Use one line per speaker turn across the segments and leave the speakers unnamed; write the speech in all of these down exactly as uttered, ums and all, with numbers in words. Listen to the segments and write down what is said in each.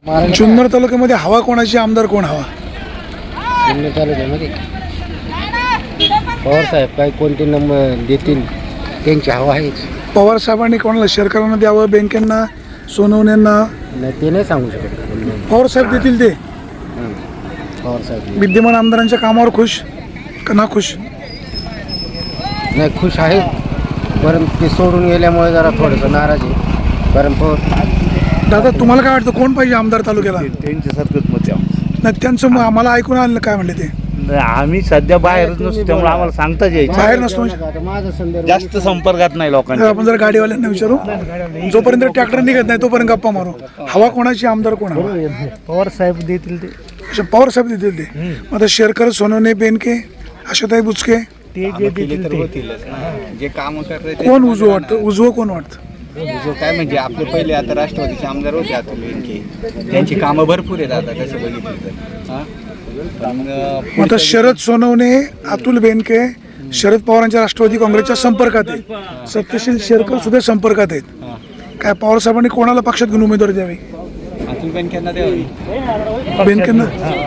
जुन्नर तालुक्यामध्ये हवा कोणाची, आमदार कोण हवा?
जुन्नर तालुक्यामध्ये पवार साहेब काही कोणते नंबर देतील त्यांची हवा आहेच.
पवार साहेबांनी कोणाला, शेरकरांना द्यावं, बँकेंना, सोनवण्यांना?
नाही ते नाही सांगू शकत.
पवार साहेब देतील ते.
पवार साहेब
विद्यमान आमदारांच्या कामावर खुश का ना खुश?
नाही खुश आहेत, परंतु ते सोडून गेल्यामुळे जरा थोडंसं नाराज आहे. परंतु
दादा तुम्हाला काय वाटतं, कोण पाहिजे आमदार तालुक्याला?
त्यांच्यासारखंच मत आहे.
नाही त्यांचं मग आम्हाला ऐकून आलं काय म्हणले ते?
आम्ही सध्या बाहेरच नसतो त्यामुळे आम्हाला सांगता यायचं.
बाहेर नसतो म्हणजे?
आता माझा संदर्भ
जास्त संपर्कात नाही
तर
लोकांच्या.
आपण जर गाडीवाल्यांना विचारू, जोपर्यंत ट्रॅक्टर निघत नाही तोपर्यंत गप्पा मारू. हवा कोणाची, आमदार कोण हवा?
पवार साहेब देतील ते.
अच्छा, पवार साहेब देतील ते. मग आता शेरकर, सोनवणे, बेनके, आशाताई बुचके,
ते जे देतील ते. जे काम करतात
कोण उजवं वाटतं? उजवं कोण वाटतं?
काय म्हणजे आपले पहिले आता राष्ट्रवादीचे आमदार होते अतुल बेनके, त्यांची कामं भरपूर आहेत आता तसं बघितलं तर. हां पण
मग आता शरद सोनवणे, अतुल बेनके शरद पवारांच्या राष्ट्रवादी काँग्रेसच्या संपर्कात आहेत. सत्यशील शेरकर सुद्धा संपर्कात आहेत. काय पवार साहेबांनी कोणाला पक्षात घेऊन उमेदवारी द्यावी?
अतुल बेनकेंना द्यावी.
बेनकेंना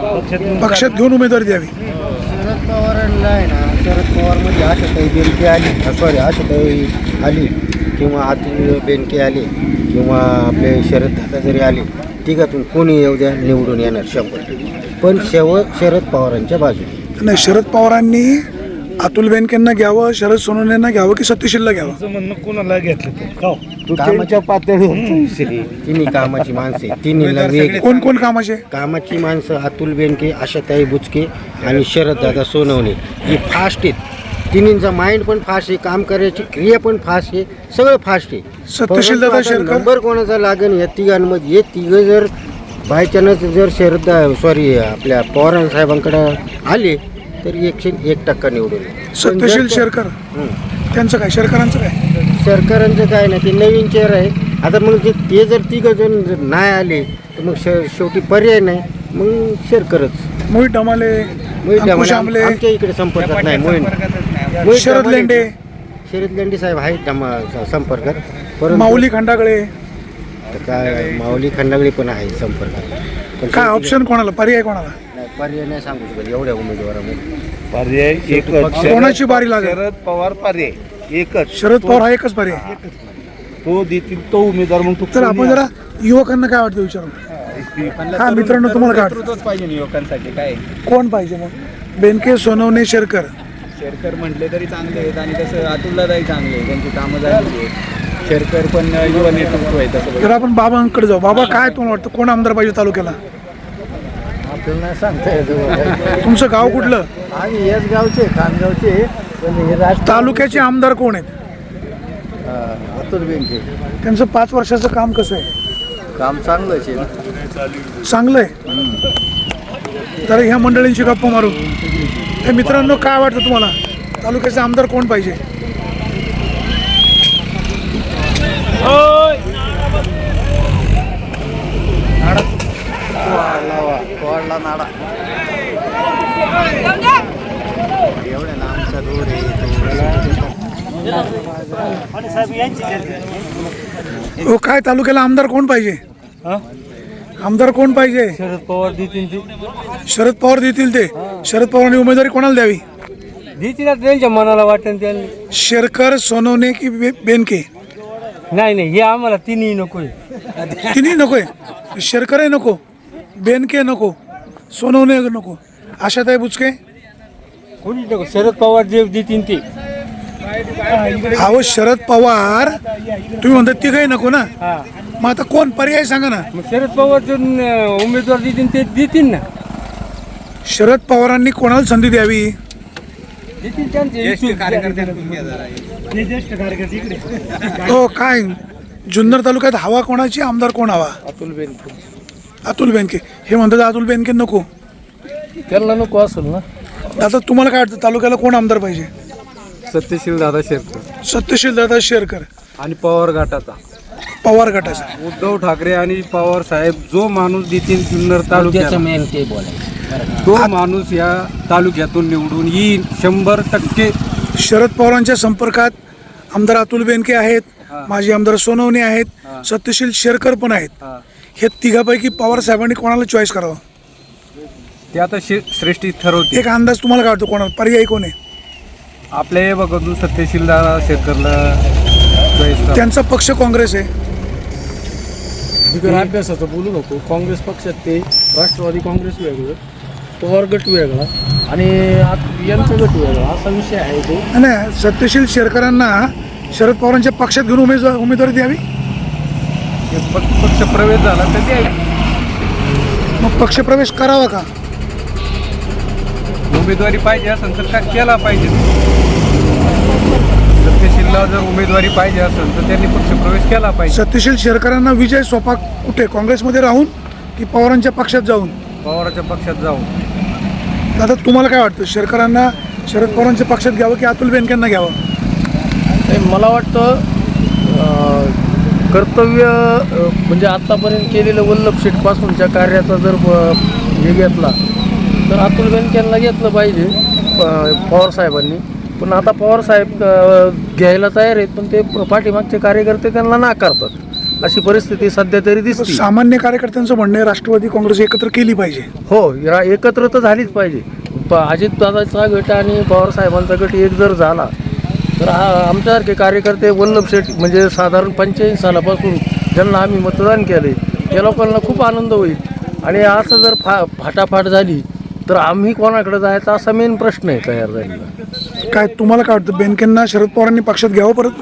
पक्षात घेऊन उमेदवारी द्यावी.
शरद पवारांना आहे ना, शरद पवारमध्ये आशाताई बेनके आली, सॉरी आशाताई आली किंवा अतुल बेनके आले किंवा आपले शरद दादा जरी आले, तिघातून कोणी येऊ द्या निवडून येणार शंभर टक्के. पण शेव शरद पवारांच्या बाजूने
नाही, शरद पवारांनी अतुल बेनकेंना घ्यावं, शरद सोनवणेंना घ्यावं की सत्यशीलला घ्यावं?
म्हणणं कोणाला घेतलं
कामाच्या पातळीवर तिन्ही कामाची माणसे, तिन्हीला वेग.
कोण कोण कामाचे?
कामाची माणसं अतुल बेनके, आशाताई बुचके आणि शरद दादा सोनवणे ही फास्ट आहेत. तिन्हींचा माइंड पण फास्ट आहे, काम करायची क्रिया पण फास्ट आहे, सगळं फास्ट आहे.
सत्यशील दादा शेरकर
नंबर कोणाचा लागेल या तिघांमध्ये? हे तिघं जर बायचान्स जर शरद सॉरी आपल्या पवार साहेबांकडे आले तर एकशे एक टक्का निवडून येईल.
सत्यशील शेरकर त्यांचं काय, शेरकरांचं काय?
सरकारांचं काय नाही, ते नवीन चेहरा आहे. आता मग ते ते जर तिघं जण जर नाही आले तर मग श शेवटी पर्याय नाही, मग शेरकरच.
मोहित डमाले,
मोहित
अंकुश आमले,
आमच्या इकडे संपर्कात नाही. मोहित
शरद लेंडे,
शरद लेंडे साहेब आहेत डमा- संपर्कात. परंतु
माऊली खंडागळे,
आता काय माऊली खंडागळे पण आहे संपर्कात. पण
काय ऑप्शन कोणाला, पर्याय कोणाला?
नाही, पर्याय नाही सांगू शकत एवढ्या उमेदवारामध्ये.
पर्याय एकच.
कोणाची बारी लागेल?
शरद पवार पर्याय एकच.
शरद पवार हा एकच पर्याय.
तो देतील तो उमेदवार. मग तू
तर आपण जरा युवकांना काय वाटतं विचारू. हा मित्रांनो, तुम्हाला काय वाटतं,
नेतृत्वच पाहिजे युवकांसाठी. काय
कोण पाहिजे मग? बेनके, सोनवणे, शेरकर?
शेरकर म्हटले तरी चांगले आहेत आणि तसं अतुलदादाही चांगले आहेत, त्यांची कामं झाली आहेत. शेरकर पण युवा नेतृत्व आहे तसं.
तर आपण बाबांकडे जाऊ. बाबा काय तुम्हाला वाटतं, कोण आमदार पाहिजे तालुक्याला?
आपल्याला नाही सांगता येतं.
तुमचं गाव कुठलं?
आम्ही याच गावचे, खानगावचे. पण हे राज
तालुक्याचे आमदार कोण आहेत?
अतुल बेनके
त्यांचं पाच वर्षाचं काम कसं आहे?
काम चांगलंच आहे.
चांगलं आहे. तर ह्या मंडळींची गप्पा मारू. हे मित्रांनो, काय वाटतं तुम्हाला, तालुक्याचे आमदार कोण पाहिजे? हो, काय तालुक्याला आमदार कोण पाहिजे? आमदार कोण पाहिजे?
शरद पवार देतील ते.
शरद पवार देतील ते. शरद पवारांनी उमेदवारी कोणाला द्यावी?
देतील त्यांच्या मनाला वाटेल त्यांनी.
शेरकर, सोनवणे की बे- बेनके?
नाही नाही, हे आम्हाला तिन्ही नकोय.
तिन्ही नकोय. शेरकरही नको, बेनके नको, सोनवणे नको, आशाताई बुचके?
कोणी नको. शरद पवार जे देतील ते.
अहो शरद पवार तुम्ही म्हणता तिघही नको ना,
हा,
मग आता कोण पर्याय सांगा ना.
मग शरद पवार जे न- उमेदवार देतील ते देतील ना.
शरद पवारांनी कोणाला संधी द्यावी?
देतील त्यांचे इच्छुक.
हो, काय जुन्नर तालुक्यात हवा कोणाची, आमदार कोण हवा?
अतुल बेनके.
अतुल बेनके. हे म्हणतात अतुल बेनके नको.
त्यांना नको असेल ना.
आता तुम्हाला काय वाटतं, तालुक्याला कोण आमदार पाहिजे?
सत्यशील दादा शेरकर
सत्यशील दादा शेरकर,
आणि पवार गटाचा
पवार गटाचा.
उद्धव ठाकरे आणि पवार साहेब जो माणूस देतील जुन्नर तालुक्यात,
मेन ते बोलायचं.
तो माणूस या तालुक्यातून निवडून येईल शंभर टक्के.
शरद पवारांच्या संपर्कात आमदार अतुल बेनके आहेत, माजी आमदार सोनवणे आहेत, सत्यशील शेरकर पण आहेत. हे तिघापैकी पवार साहेबांनी कोणाला चॉईस करावं?
ते आता शे श्रेष्ठी ठरवते.
एक अंदाज तुम्हाला काय वाटतो कोणाला पर्यायी कोण आहे?
आपल्या हे बघून सत्यशील दादा शेतकरला choice करा.
त्यांचा पक्ष काँग्रेस आहे.
बिगर अभ्यासाचं बोलू नको. काँग्रेस पक्षात ते राष्ट्रवादी काँग्रेस वेगळं, पवार गट वेगळा आणि आत- यांचा गट वेगळा असा विषय आहे तो.
नाही, सत्यशील शेरकरांना शरद पवारांच्या पक्षात घेऊन उमेदवार उमेदवारी द्यावी.
हे पक्ष पक्ष प्रवेश झाला तर ते
मग पक्षप्रवेश करावा का?
उमेदवारी पाहिजे असेल तर का केला पाहिजे. सत्यशीलला जर उमेदवारी पाहिजे असेल तर त्यांनी पक्षप्रवेश केला पाहिजे.
सत्यशील शेरकरांना विजय सोपा कुठे, काँग्रेसमध्ये राहून की पवारांच्या पक्षात जाऊन?
पवाराच्या पक्षात जाऊन.
दादा तुम्हाला काय वाटतं, शेरकरांना शरद पवारांच्या पक्षात घ्यावं की अतुल बेनकेंना घ्यावं?
नाही, मला वाटतं अं, कर्तव्य अं, म्हणजे आत्तापर्यंत केलेलं वल्लभ शेठपासूनच्या कार्याचा जर अं, हे घेतला तर अतुल बेनकेंना घेतलं पाहिजे प- पवारसाहेबांनी. पण आता पवारसाहेब अं, घ्यायला तयार आहेत, पण ते पाठीमागचे कार्यकर्ते त्यांना नाकारतात. अशी परिस्थिती सध्या तरी दिसते.
सामान्य कार्यकर्त्यांचं म्हणणं आहे राष्ट्रवादी काँग्रेस एकत्र केली पाहिजे.
हो, या एकत्र तर झालीच पाहिजे. प अजितदादाचा गट आणि पवारसाहेबांचा गट एक जर झाला तर आ- आमच्यासारखे कार्यकर्ते वल्लभ शेठ म्हणजे साधारण पंच्याऐंशी सालापासून ज्यांना आम्ही मतदान केले त्या लोकांना खूप आनंद होईल. आणि असं जर फा फाटाफाट झाली तर आम्ही कोणाकडे जायचा असा मेन प्रश्न आहे तयार झालेला.
काय तुम्हाला काय वाटतं, बेनकेंना शरद पवारांनी पक्षात घ्यावं परत?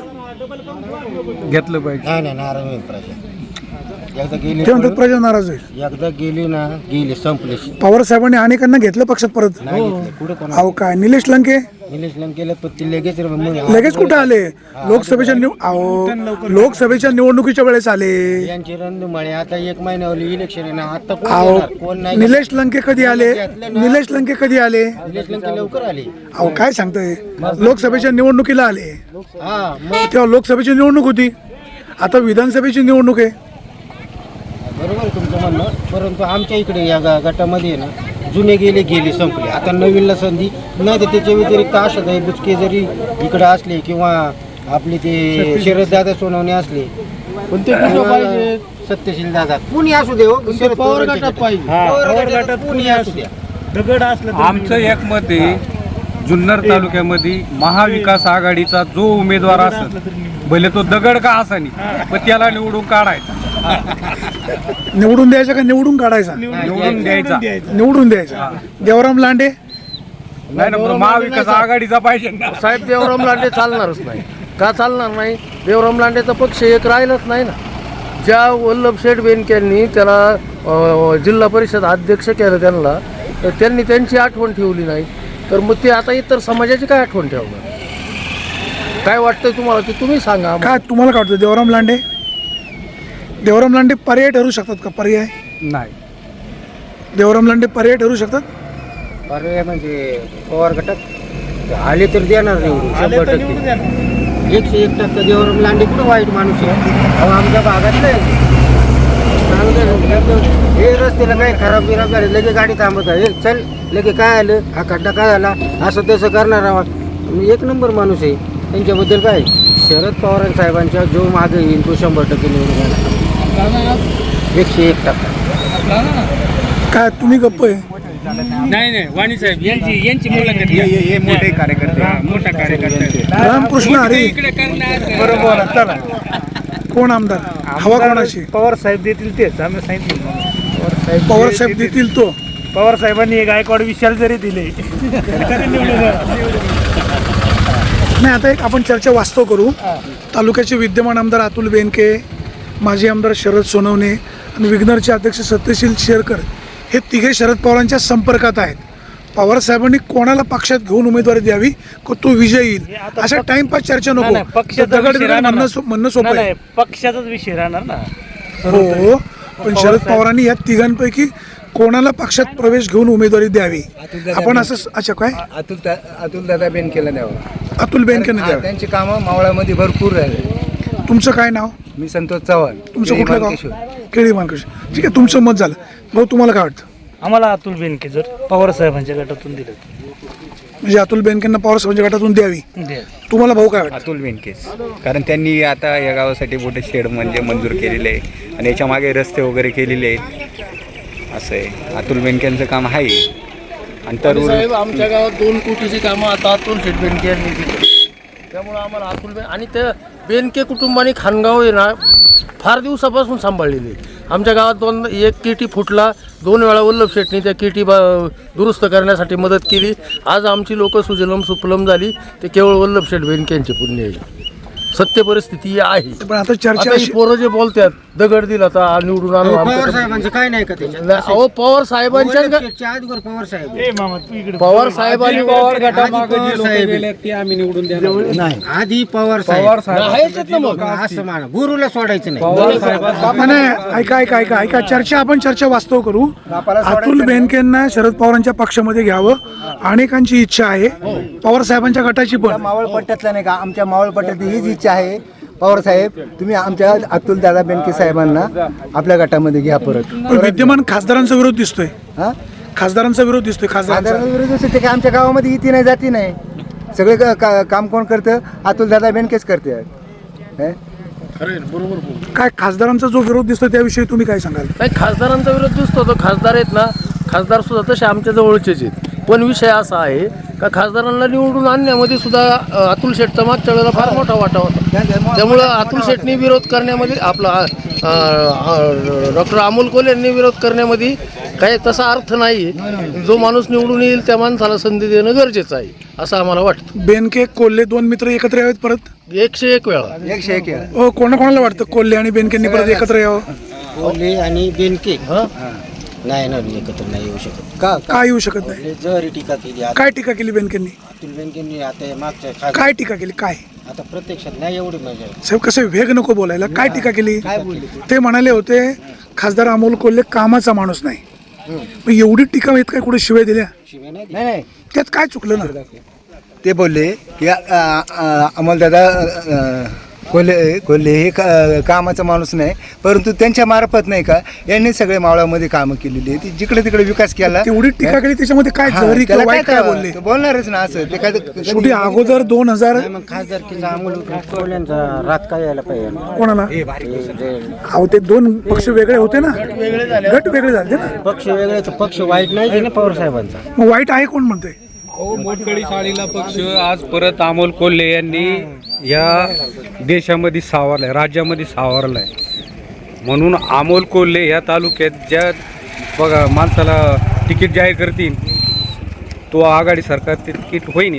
घेतलं पाहिजे.
नाही नाही नाराज होईल प्रजा. एकदा गेली
ते म्हणतात प्रजा नाराज आहे.
एकदा गेली ना गेली संपली.
पवार साहेबांनी अनेकांना घेतलं पक्षात परत.
नाही घेतलं. कुठं कोणा
अहो काय निलेश लंके
निलेश लंकेला पण ती लगेच
लगेच कुठं आले? लोकसभेच्या निव अहो लोकसभेच्या निवडणुकीच्या वेळेस आले.
यांची रणधुमाळी आता एक महिन्यावरली इलेक्शन आहे ना, आता कोण
अहो
येणार? कोण नाही.
निलेश लंके कधी आले? निलेश लंके कधी आले?
निलेश लंके लवकर आली.
अहो काय सांगताय, लोकसभेच्या निवडणुकीला आले.
हा मग
तेव्हा लोकसभेची निवडणूक होती, आता विधानसभेची निवडणूक आहे.
बरोबर आहे तुमचं म्हणणं. परंतु आमच्या इकडे या गा- गटामध्ये आहे ना, जुने गेले गेले संपले. आता नवीनला संधी नाही तर त्याच्या व्यतिरिक्त आशाताई बुचके जरी इकडे असले किंवा आपले ते शरददादा सोनवणे असले,
पण ते कुठं पाहिजे?
सत्यशील दादा कुणी असू दे हो, शरद
पवार
पवारांच्या
गटात
गटात.
पाहिजे.
पवार गटात कुणी असू द्या.
आमचं एक मत आहे, जुन्नर तालुक्यामध्ये महाविकास आघाडीचा जो उमेदवार असेल भले तो दगड का असानी पण त्याला निवडून काढायचा.
निवडून द्यायचा का निवडून काढायचा?
निवडून द्यायचा.
निवडून द्यायचा. देवराम लांडे
नाही ना, पण महाविकास आघाडीचा पाहिजे ना.
साहेब देवराम लांडे चालणारच नाही. का चालणार नाही? देवराम लांडेचा पक्ष एक राहिलाच नाही ना. ज्या वल्लभ शेठ बेनकेंनी त्याला अ, जिल्हा परिषद अध्यक्ष केलं त्यांना, तर त्यांनी त्यांची आठवण ठेवली नाही, तर मग ते आता इतर समाजाची काय आठवण ठेवणार? काय वाटतंय तुम्हाला ते तुम्ही सांगा आम्हाला.
काय तुम्हाला काय वाटतं, देवराम लांडे देवराम लांडे पर्याय ठरू शकतात का? पर्याय
नाही.
देवराम लांडे पर्याय ठरू शकतात?
पर्याय म्हणजे पवार गटात आले तर देणार निवडून शंभर टक्के. एकशे एक टक्का देवराम लांडे कुठं वाईट माणूस आहे? अहो आमच्या भागात नाही चांगलं. हे रस्त्याला काही खराब बिराब झाले लगे गाडी थांबत आहे. हे चल लगे काय आलं, हा खड्डा काय झाला, असं तसं करणार आहोत. एक नंबर माणूस आहे. त्यांच्याबद्दल काय शरद पवार साहेबांच्या जो मागे येईल तो शंभर टक्के निवडून येणार. एकशे एक टक्का.
काय तुम्ही गप्प आहे?
नाही नाही वाणी साहेब यांची यांची मुलाखत घ्या.
हे मोठे कार्यकर्ते.
हा, मोठा कार्यकर्ता
रामकृष्ण हरी
इकडे करणार.
बरोबर चला.
कोण आमदार? हवा कोणाची?
पवार साहेब देतील तेच आम्ही सांगितलं.
पवार साहेब देतील तो.
पवार साहेबांनी गायकवाड विशाल जरी दिले
नाही, आता एक आपण चर्चा वास्तव करू. तालुक्याचे विद्यमान आमदार अतुल बेनके, माजी आमदार शरद सोनवणे आणि विग्नरचे अध्यक्ष सत्यशील शेरकर हे तिघे शरद पवारांच्या संपर्कात आहेत. पवार साहेबांनी कोणाला पक्षात घेऊन उमेदवारी द्यावी को तो विजय येईल अशा टाइमपास चर्चा
नाही,
नको.
नाही, पक्षाचा
दगड
विषय
दगड
राहणार
म्हणणं
ना.
सो- म्हणणं सोपं
नाही,
आहे.
नाही, पक्षाचाच विषय राहणार ना.
हो, पण शरद पवारांनी या तिघांपैकी कोणाला पक्षात प्रवेश घेऊन उमेदवारी द्यावी आपण असं. अच्छा काय
अतुल अतुल दादा बेनकेला द्यावं.
अतुल बेनकेने
हा,
द्यावी.
त्यांची कामं मावळामध्ये भरपूर राहिले.
तुमचं काय नाव?
मी संतोष चव्हाण.
तुमचं कुठलं गाव?
मानकेश्वर.
केळी मानकेश्वर. ठीक आहे, तुमचं मत झालं. भाऊ तुम्हाला काय वाटतं?
आम्हाला अतुल बेनके जर पवार साहेबांच्या गटातून दिलं
म्हणजे अतुल बेनकेंना पवार साहेबांच्या गटातून द्यावी. तुम्हाला भाऊ काय वाटतं?
अतुल बेनकेच, कारण त्यांनी आता या गावासाठी मोठे शेड म्हणजे मंजूर केलेले आहे आणि याच्या मागे रस्ते वगैरे केलेले आहेत. असं आहे, अतुल बेनकेंचं काम आहे. आणि तर
आणि साहेब आमच्या गावात दोन कोटीची कामं आता अतुल शेठ बेनके यांनी केली. त्यामुळं आम्हाला अतुल बेन आणि त्या बेनके कुटुंबाने खानगाव आहे ना फार दिवसापासून सांभाळलेली आहे. आमच्या गावात दोन एक किटी फुटला, दोन वेळा वल्लभ शेठनी त्या किटी बा दुरुस्त करण्यासाठी मदत केली. आज आमची लोक सुजलम सुफलम झाली ते केवळ वल्लभ शेठ बेनके यांचे पुण्य आहे. सत्य परिस्थिती आहे.
पण आता चर्चा
आता ही
अशी
पोरं जे बोलतात दगड दिला तर निवडून आणू
पवार
आमचं-
साहेबांचं काय नाही का त्याच्यात?
नाही, अहो पवार साहेबांच्या
वल्लभशेठच्या आधीवर पवार साहेब
ए मामा तू इकडे
पवार साहेबांनी
पवार
आधी
गटामागे
पवार
जे लोक
साहेब.
गेले ते आम्ही निवडून देणार
नाही आधी पवार
पवार
साहेब
आहेच ना मग.
असं म्हणा, गुरुला सोडायचं नाही.
पवार साहेब
नाही, ऐका ऐका ऐका ऐका चर्चा आपण चर्चा वास्तव करू. अतुल बेनकेंना शरद पवारांच्या पक्षामध्ये घ्यावं अनेकांची इच्छा आहे, पवार साहेबांच्या गटाची पण.
मावळ पट्ट्यातला नाही का, आमच्या मावळ पट्ट्यात हीच इच्छा आहे. पवार साहेब तुम्ही आमच्या अतुल दादा बेनके साहेबांना आपल्या गटामध्ये घ्या परत.
पण विद्यमान खासदारांचा विरोध दिसतोय.
हा
खा विरोध दिसतोय खासदारांचा.
साधारण विरोध असतो ते काय आमच्या गावामध्ये इथे नाही जाती नाही. सगळे का- का- काम कोण करतं? अतुल दादा बेनकेच करते. हे?
बरोबर बोल.
काय खासदारांचा जो विरोध दिसतोय त्याविषयी तुम्ही काय सांगाल?
नाही खासदारांचा विरोध दिसतो तो खासदार आहेत ना, खासदार सुद्धा तसे आमच्या जवळचेच आहेत. पण विषय असा आहे का खासदारांना निवडून आणण्यामध्ये सुद्धा अ, अतुल शेठचा मागच्या वेळेला फार मोठा वाटा होता. त्यामुळं अतुल शेठनी विरोध करण्यामध्ये आपला डॉक्टर अमोल कोल्हे यांनी विरोध करण्यामध्ये काही तसा अर्थ नाही. जो माणूस निवडून येईल त्या माणसाला संधी देणं गरजेचं आहे असं आम्हाला वाटतं.
बेनके कोल्हे दोन मित्र एकत्र यावेत परत.
एकशे एक वेळा
एकशे एक आहे.
हो, कोणाकोणाला वाटतं कोल्हे आणि बेनकेंनी परत एकत्र यावं?
कोल्हे आणि बेनके
हा?
नाही ना एकत्र नाही येऊ शकत.
का
काय येऊ शकत नाही?
कोल्हे जरी टीका केली आता
काय टीका केली बेनकेंनी?
अतुल बेनकेंनी आता हे मागच्या खास-
काय टीका केली? काय
आता प्रत्यक्षात नाही एवढी मजा.
साहेब कसं वेग नको बोलायला. काय टीका केली? ते म्हणाले होते खासदार अमोल कोल्हे कामाचा माणूस नाही. मग एवढी टीका येत काय कुठे शिवाय दिल्या?
शिवाय नाही
नाही नाही
त्यात काय चुकलं ना?
ते बोलले की अमोलदादा कोल्हे कोल्हे हे का- कामाचा माणूस नाही, परंतु त्यांच्या मार्फत नाही का यांनी सगळे मावळामध्ये कामं केलेली आहे. जिकडे तिकडे विकास केला.
तेवढी टीका केली त्याच्यामध्ये काय
हा,
जहरी
त्याला
किंवा वाईट
काय
काय बोलले?
ते बोलणारच ना असं. ते काय
शेवटी अगोदर दोन हजार
मग खासदारकीचा अमोल कोल्ह्यांचा रात काय यायला पाहिजे.
कोणाला
ते जे
अहो ते दोन पक्ष वेगळे होते ना, गट वेगळे झाले ना.
पक्ष वेगळे तर पक्ष वाईट नाही ना पवार साहेबांचा.
मग वाईट आहे कोण म्हणतोय?
हो, मोठकळी शाळेला पक्ष आज परत अमोल कोल्हे यांनी या देशामध्ये सावरलाय, राज्यामध्ये सावरलाय. म्हणून अमोल कोल्हे या तालुक्यात ज्या बघा माणसाला तिकीट जाहीर करतील तो आघाडी सरकार ते तिकीट होईन.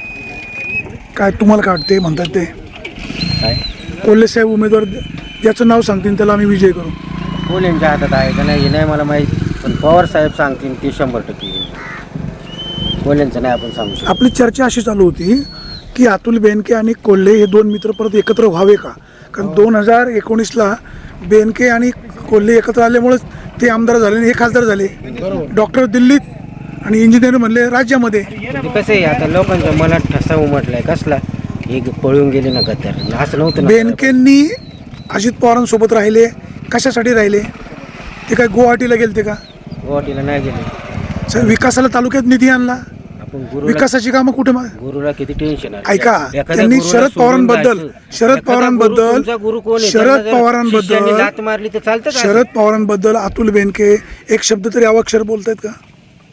काय तुम्हाला काय वाटते म्हणतात ते? कोल्हे साहेब उमेदवार ज्याचं नाव सांगतील त्याला आम्ही विजय करू.
कोल्ह्यांच्या हातात आहे का नाही हे नाही मला माहीत, पण पवार साहेब सांगतील ते शंभर टक्के येईल. कोल्ह्यांचं नाही आपण सांगू शकतो.
आपली चर्चा अशी चालू होती की अतुल बेनके आणि कोल्हे हे दोन मित्र परत एकत्र व्हावे का? कारण दोन हजार एकोणीसला बेनके आणि कोल्हे एकत्र आल्यामुळेच ते आमदार झाले आणि हे खासदार झाले. डॉक्टर दिल्लीत आणि इंजिनियर म्हणले राज्यामध्ये.
ते कसं आहे आता लोकांच्या मनात ठसा उमटलाय कसला हे पळून गेले ना गद्दार असं नव्हतं ना.
बेनकेंनी अजित पवारांसोबत राहिले. कशासाठी राहिले? ते काय गुवाहाटीला गेलते का?
गुवाहाटीला नाही गेले.
साहेब, विकासाला तालुक्यात निधी आणला.
आपण गुरुला
विकासाची कामं कुठे मा-
गुरुला किती टेन्शन आहे.
ऐका,
एखाद्या
त्यांनी
गुरुला
शरद
सोडून
पवारांबद्दल
जायचं.
शरद
एखादा
पवारांबद्दल
गुरु तुमचा गुरु कोण आहे?
शरद
त्यांना जर
पवारांबद्दल
शिष्याने लाथ मारली तर चालतं का?
शरद पवारांबद्दल अतुल बेनके एक शब्द तरी अवाक्षर बोलतायत का?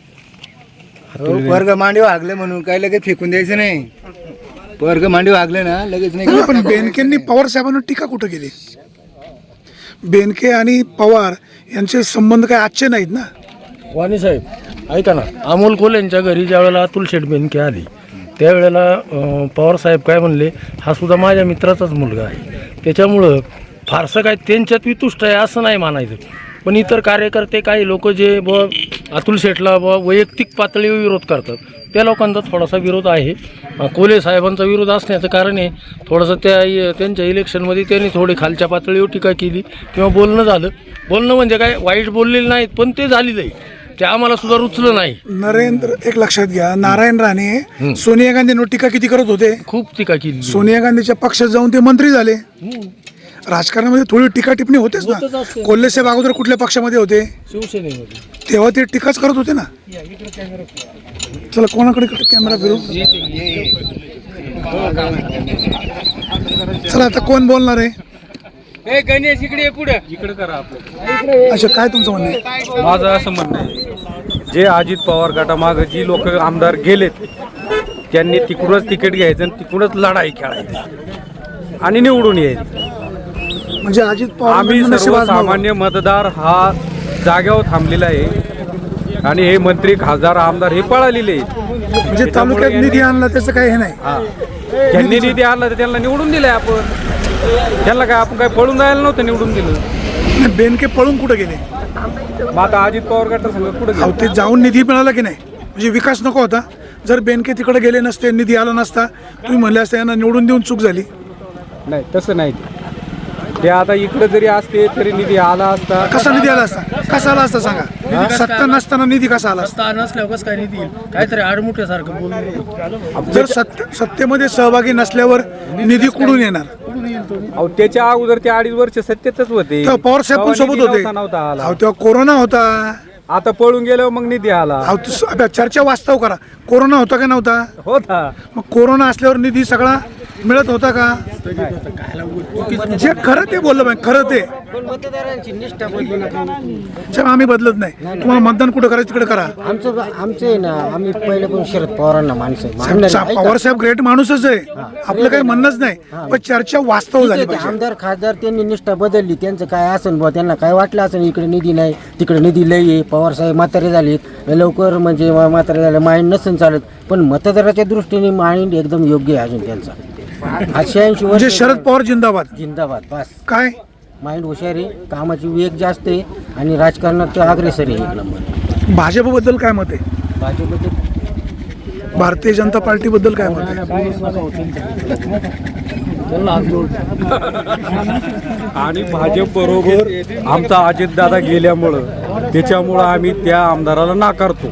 वर्ग मांडीव हागले म्हणून काय लगेच फेकून द्यायचं नाही. वर्ग मांडीव हागले ना लगेच नाही.
नाही, पण बेनकेंनी पवार साहेबांवर टीका कुठं केली? बेनके आणि पवार यांचे संबंध काय आजचे नाहीत ना.
वाणी साहेब ऐका ना, अमोल कोल्हेंच्या घरी ज्या वेळेला अतुल शेठ बेनके आली त्यावेळेला अं, पवार साहेब काय म्हणले, हा सुद्धा माझ्या मित्राचाच मुलगा आहे. त्याच्यामुळं फारसं काय त्यांच्यात वितुष्ट आहे असं नाही मानायचं. पण इतर कार्यकर्ते काही लोक जे ब अतुल शेठला ब वैयक्तिक पातळीवर विरोध करतात त्या लोकांचा थोडासा विरोध आहे. अं, कोल्हे साहेबांचा विरोध असण्याचं कारण आहे थोडंसं त्या त्यांच्या इलेक्शनमध्ये त्यांनी थोडी खालच्या पातळीवर टीका केली किंवा बोलणं झालं. बोलणं म्हणजे काय वाईट बोललेलं नाहीत पण ते झालेलं आहे. ते आम्हाला सुद्धा रुचलं नाही.
नरेंद्र एक लक्षात घ्या, नारायण राणे सोनिया गांधींवर टीका किती करत होते?
खूप टीका केली.
सोनिया गांधीच्या पक्षात जाऊन ते मंत्री झाले. राजकारणामध्ये थोडी टीका टिप्पणी होतेच
होतच
ना.
असते.
कोल्हे साहेब अगोदर कुठल्या पक्षामध्ये होते
शिवसेनेमध्ये
तेव्हा ते टीकाच करत होते ना. चला कोणाकडे कॅमेरा फिरू. चला आता कोण बोलणार आहे.
ए गणेश इकडे पुढे
इकडे करा आपलं.
अच्छा काय तुमचं म्हणणं आहे.
माझं असं म्हणणं आहे, जे अजित पवार गटामागं जी लोक आमदार गेलेत त्यांनी तिकडूनच तिकीट घ्यायचं आणि तिकडूनच लढाई खेळायची आणि निवडून यायचं.
म्हणजे अजित पवार
आम्ही सर्वसामान्य मतदार हा जाग्यावर थांबलेला आहे आणि हे मंत्री खासदार आमदार हे पळालेले आहेत.
म्हणजे तालुक्यात निधी आणला त्याचं काही हे नाही.
ज्यांनी निधी आणला तर त्यांना निवडून दिलंय आपण. त्यांना काय आपण काय पळून जायला नव्हतं निवडून दिलं.
बेनके पळून कुठे गेले.
मग आता अजित पवार गट सांगत कुठे
अहो ते जाऊन निधी मिळाला की नाही. म्हणजे विकास नको होता. जर बेनके तिकडे गेले नसते निधी आला नसता तुम्ही म्हणले असते यांना निवडून देऊन चूक झाली.
नाही तसं नाही. ते आता इकडे जरी असते तरी निधी आला असता.
कसा निधी आला असता. कसा आला असता सांगा. सत्ता नसताना निधी कसा आला असता.
सत्ता नसल्यावर कसं काय निधी येईल? काहीतरी आडमुठ्यासारखं बोलून
जर सत्य सत्तेमध्ये सहभागी नसल्यावर निधी कुठून येणार.
अहो त्याच्या अगोदर ते अडीच वर्ष सत्तेतच होते.
तेव्हा पवार साहेब पण
तेव्हा
सोबत
निधी
होते.
नव्हता नव्हता आला.
अहो तेव्हा कोरोना होता.
आता पळून गेल्यावर मग निधी आला.
अहो तू- आता चर्चा वास्तव करा. कोरोना होता का नव्हता.
होता.
मग कोरोना असल्यावर निधी सगळा मिळत होता का. जे खरं ते बोललं पाहिजे. खरं ते
पण मतदारांची निष्ठा बदलू नका.
चल आम्ही बदलत नाही. तुम्हाला मतदान कुठं करायचं तिकडे करा.
आमचं आमचं आहे ना, आम्ही पहिले पण शरद पवारांना माणसं
साहेब, पवार साहेब ग्रेट माणूसच आहे. आपलं काही म्हणणंच नाही. पण चर्चा वास्तव झाली पाहिजे.
आमदार खासदार त्यांनी निष्ठा बदलली. त्यांचं काय असेल बुवा, त्यांना काय वाटलं असेल इकडे निधी नाही तिकडे निधी लई आहे. पवार साहेब म्हातारे झालेत लवकर, म्हणजे म्हातारे झाले माइंड नसेल चालत. पण मतदाराच्या दृष्टीने माइंड एकदम योग्य आहे अजून त्यांचा. शहाऐंशी
म्हणजे
वर्ष
शरद पवार जिंदाबाद.
जिंदाबाद. बस
काय
माइंड हुशार आहे, कामाची वेग जास्त आहे आणि राजकारणात तो अग्रेसर आहे एक नंबर.
भाजपबद्दल काय मत आहे.
भाजपचे
भारतीय जनता पार्टी बद्दल काय मत आहे.
आणि भाजप बरोबर आमचा अजित दादा गेल्यामुळं त्याच्यामुळं आम्ही त्या आमदाराला नाकारतो.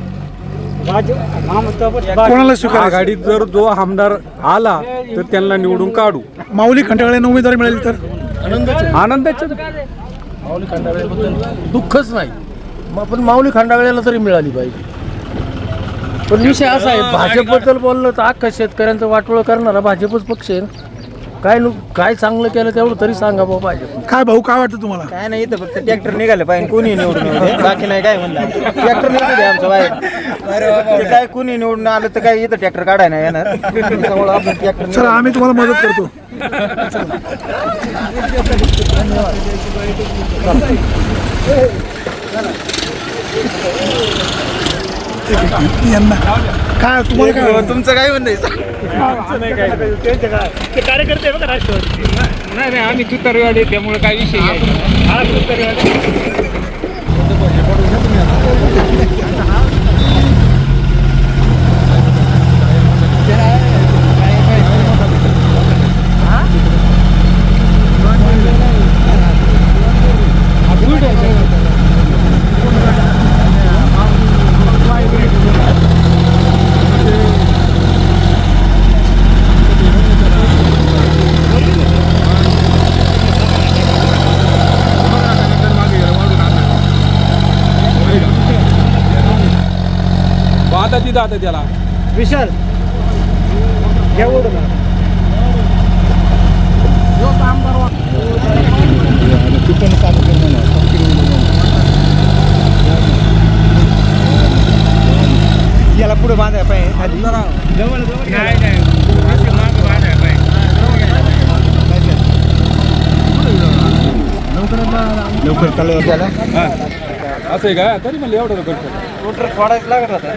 कोणाला स्वीकारायचं.
आघाडीत जर जो आमदार आला तर त्यांना निवडून काढू.
माऊली खंडागळ्यांना उमेदवारी मिळेल तर
आनंदाचे.
माऊली खंडागळ्याबद्दल दुःखच नाही. मग पण माऊली खंडागळ्याला तरी मिळाली पाहिजे. पण विषय असा आहे, भाजपबद्दल बोललं तर अख्खा शेतकऱ्यांचं वाटोळं करणारा भाजपच पक्ष आहे. काय नु काय चांगलं केलं तेवढं तरी सांगा बाबा पाहिजे.
काय भाऊ काय वाटतं तुम्हाला.
काय नाही, इथं फक्त ट्रॅक्टर निघालं पाहिजे. कोणी निवडून येऊ दे. बाकी नाही काय म्हणलं. ट्रॅक्टर निघू दे आमचं बाहेर. ते काय कोणी निवडून आलं तर काय इथं ट्रॅक्टर काढाय नाही येणार. त्यामुळं आपण ट्रॅक्टर
चला आम्ही तुम्हाला मदत करतो. यांना काय तुम्हाला काय
तुमचं काय म्हणणं
ते कार्यकर्ते आहे बघा राष्ट्रवादी.
नाही नाही आम्ही तुतारीवाले त्यामुळे काय विषय नाही.
हा तुतारीवाले.
आता तिथं आता त्याला
विशाल घ्या ओढून.
याला पुढे बांधाय पाहिजे खाली.
जवळ जवळ
नाही नाही असे मागं वाढायला पाहिजे.
लवकर कलर त्याला.
असं आहे का. तरी म्हणलं एवढं करतो.
रोटर फोडायचं लागत होता.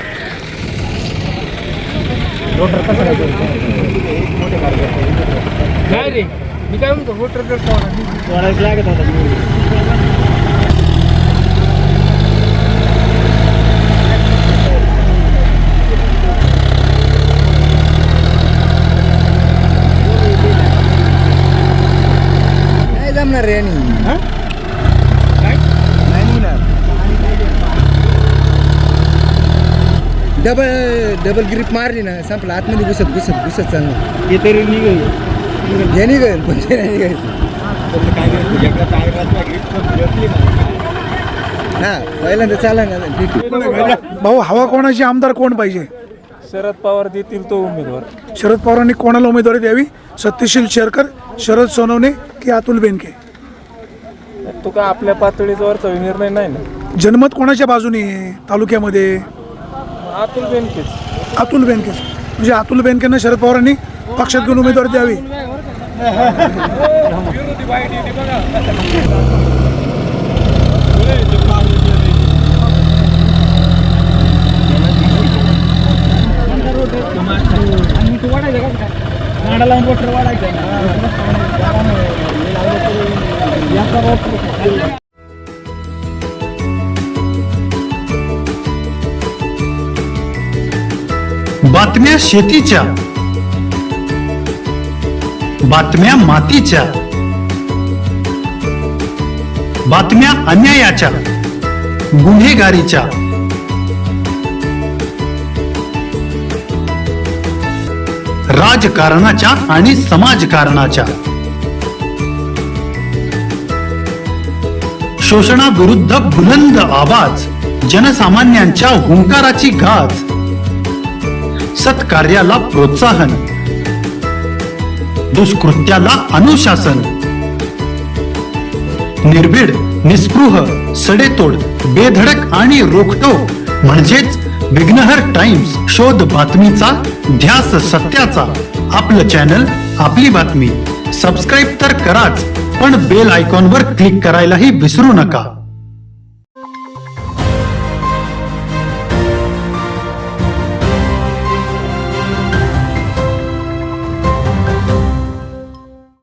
नाही रे मी काय म्हणतो वोटर
सोडायचं लागत होता.
नाही जमणार रे आणि डबल डबल ग्रिप मारली ना संपला. आतमध्ये घुसत घुसत घुसत चालणार.
हे तरी निघेल.
हे निघेल पण ते नाही निघायचं.
तर काय करतो एकदा टायरात लागली तर बसली ना.
हा पहिल्यांदा चाला ना ठीक आहे.
भाऊ हवा कोणाची, आमदार कोण पाहिजे?
शरद पवार देतील तो उमेदवार.
शरद पवारांनी कोणाला उमेदवारी द्यावी? सत्यशील शेरकर, शरद सोनवणे की अतुल बेनके?
तो काय आपल्या पातळीवरचा निर्णय नाही ना.
जनमत कोणाच्या बाजूने आहे तालुक्यामध्ये?
अतुल बेनकेच.
अतुल बेनके. म्हणजे अतुल बेनकेंना शरद पवारांनी पक्षात घेऊन उमेदवारी द्यावी.
बातम्या शेतीच्या, बातम्या मातीच्या, बातम्या अन्यायाच्या, गुन्हेगारीच्या, राजकारणाच्या आणि समाजकारणाच्या, शोषणाविरुद्ध बुलंद आवाज, जनसामान्यांच्या हुंकाराची गाज, सत्कार्याला प्रोत्साहन, दुष्कृत्याला अनुशासन, निर्भीड, निस्पृह, सडेतोड, बेधडक आणि रोखटोक म्हणजेच विघ्नहर टाइम्स. शोध बातमीचा, ध्यास सत्याचा. आपलं चॅनल, आपली बातमी. सबस्क्राईब तर कराच, पण बेल आयकॉनवर क्लिक करायलाही विसरू नका.